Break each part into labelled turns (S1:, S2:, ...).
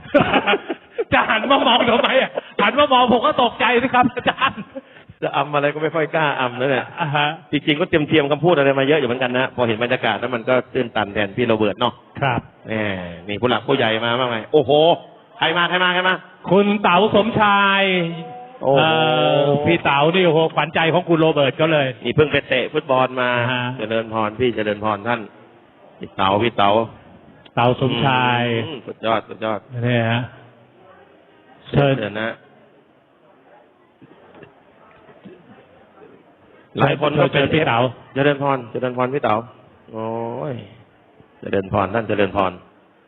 S1: จะหันมามองทำไมอ่ะหันมามองผมก็ตกใจสิครับอาจารย์
S2: จะอำอะไรก็ไม่ค่อยกล้าอำนั่นแหละจริงๆก็เตรียมคำพูดอะไรมาเยอะอยู่เหมือนกันนะพอเห็นบรรยากาศแล้วมันก็ตื้นตันแทนพี่โรเบิร์ตเนาะ
S1: ครับ
S2: นี่ผู้หลักผู้ใหญ่มามากไหมโอ้โหใครมา
S1: คุณเต๋าสมชายพี่เต๋านี่โอ้โหขวัญใจของคุณโรเบิร์ตก็เลย
S2: นี่เพิ่งไปเตะฟุตบอลมาเจริญพรพี่เจริญพรท่านพี่เต๋า
S1: สมชาย
S2: สุดยอด
S1: นี่ฮะ
S2: เชิญนะหลายคนก็เป็น
S1: พี่เต๋า
S2: เจริญพรพี่เต๋าโอ้ยเจริญพรท่านเจริญพร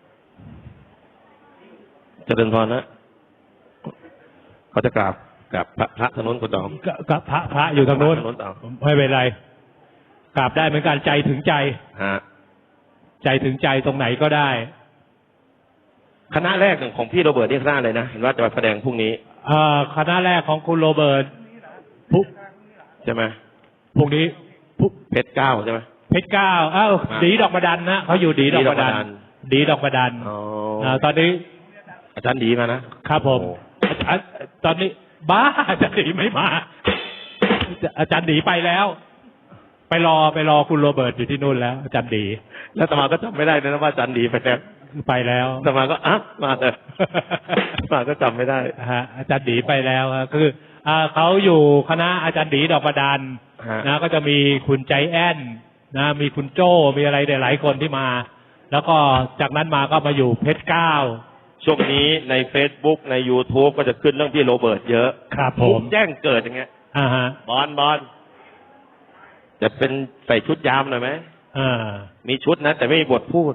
S2: นะเขาจะกราบพระถนนคุณต๋อ
S1: กับพระอยู่ทางโน้นไม่เป็นไรกราบได้เหมือนกันใจถึงใจใจถึงใจตรงไหนก็ได้
S2: คณะแรกของพี่โรเบิร์ตนี่คณะอะไรนะเห็นว่าจะมาแสดงพรุ่งนี้
S1: คณะแรกของคุณโรเบิร์ต
S2: ใช่ไหม
S1: พรุ่งนี้
S2: เพชรเก้าใช่ไหม
S1: เพชรเก้าดีดอกบดันนะเขาอยู่ดีดอกบดันดีดอกบดันตอนนี้
S2: อาจารย์ดีมานะครับ
S1: ผมตอนนี้บ้าอาจารย์ดีไม่มาอาจารย์ดีไปแล้วไปรอคุณโรเบิร์ตอยู่ที่นู่นแล้วอาจารย์ดี
S2: แล้วตมาก็จำไม่ได้นะว่าอาจารย์ดีไปแล้วตมาก็มาแต่มาก็จำไม่ได้
S1: อาจารย์ดีไปแล้วคือเขาอยู่คณะอาจารย์ดีดอกบดันนะก็จะมีคุณใจแอนนะมีคุณโจ้มีอะไรหลายคนที่มาแล้วก็จากนั้นมาก็มาอยู่เพชรเก้า
S2: ช่วงนี้ใน Facebook ใน YouTube ก็จะขึ้นเรื่องพี่โรเบิร์ตเยอะ
S1: ครับผม
S2: แจ้งเกิดอย่างเงี้ยบอลจะเป็นใส่ชุดยามหน่อยไหมมีชุดนะแต่ไม่มีบทพูด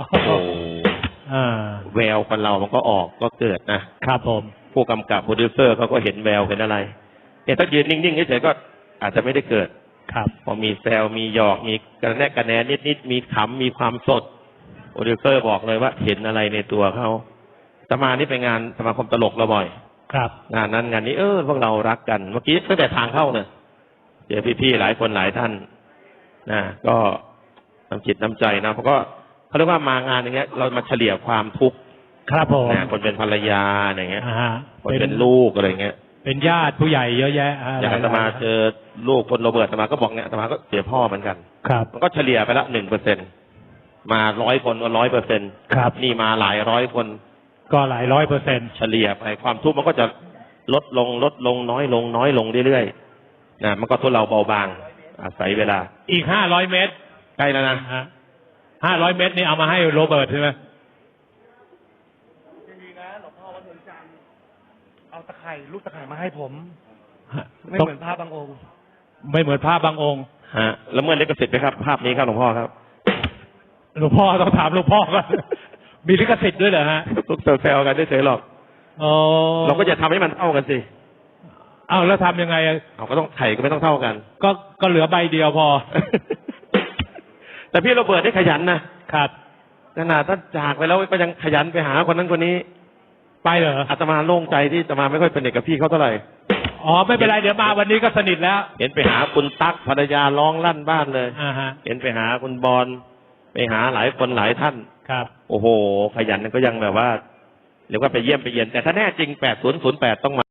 S2: แววคนเรามันก็ออกก็เกิด
S1: นะครับผม
S2: ผู้กำกับโปรดิวเซอร์เขาก็เห็นแววเห็นอะไรถ้ายืนนิ่งๆเฉยๆก็อาจจะไม่ได้เกิด
S1: ครับ
S2: พอมีแซวมีหยอกมีกระแนนิดมีขำมีความสดโปรดิวเซอร์บอกเลยว่าเห็นอะไรในตัวเขาสมานี่ไปงานสมาคมตลกเราบ่อย
S1: ครับ
S2: งานนั้นงานนี้พวกเรารักกันเมื่อกี้ตั้งแต่ทางเข้าเนี่ยเจอพี่ๆหลายคนหลายท่านก็น้ำจิตน้ำใจนะเพราะก็เขาเรียกว่ามางานอย่างเงี้ยเรามาเฉลี่ยความทุกข์
S1: ครับผม
S2: คนเป็นภรรยาอย่างเงี้ยคนเป็นลูกอะไรเงี้ย
S1: เป็นญาติผู้ใหญ่เยอะแยะ
S2: อย่างอาตมาเจอลูกคนโรเบิร์ตอาตมาก็บอกเนี่ยอาตมาก็เสียพ่อเหมือนกัน
S1: ครับ
S2: มันก็เฉลี่ยไปละ1%มา100 คนก็100%
S1: ครับ
S2: นี่มาหลายร้อยคน
S1: ก็หลาย100%
S2: เฉลี่ยไปความทุกข์มันก็จะลดลงน้อยลงเรื่อยๆมันก็ทุเลาเบาบางอาศัยเวลา
S1: อีก500 เมตร
S2: ใกล้แล้วนะ
S1: 500 เมตรนี่เอามาให้โรเบิร์ตใช่ไหม
S3: ดีนะหลวงพ่อวัดนนจันทร์เอาลูกตะไคร่มาให้ผมไม่เหมือนภาพบางองค์
S1: ไม่เหมือนภาพบางองค์
S2: แล้วเมื่อเล็กกระสิทธิ์ไหมครับภาพนี้ครับหลวงพ่อครับ
S1: หลวงพ่อต้องถามหลวงพ่อก่อนมีลิขสิทธิ์ด้วยเหรอฮะ
S2: พวกแซวกันได้เฉยหรอกเราก็จะทำให้มันเท่ากันสิ
S1: แล้วทำยังไง
S2: ก็ต้องไข่ก็ไม่ต้องเท่ากัน
S1: ก็เหลือใบเดียวพอ
S2: แต่พี่โรเบิร์ตได้ขยันนะครับขนาดท่านจากไปแล้วก็ยังขยันไปหาคนนั้นคนนี้
S1: ไปเหรอ
S2: อาตมาโล่งใจที่อาตมาไม่ค่อยสนิทกับพี่เขาเท่าไหร่
S1: ไม่เป็นไรเดี๋ยวมาวันนี้ก็สนิทแล้ว
S2: เห็นไปหาคุณตั๊กภรรยาร้องลั่นบ้านเลยเห็นไปหาคุณบอลไปหาหลายคนหลายท่าน
S1: ครับ
S2: โอ้โหขยันก็ยังแบบว่าเรียกว่าไปเยี่ยมไปเยียนแต่ถ้าแน่จริง8008ต้องมา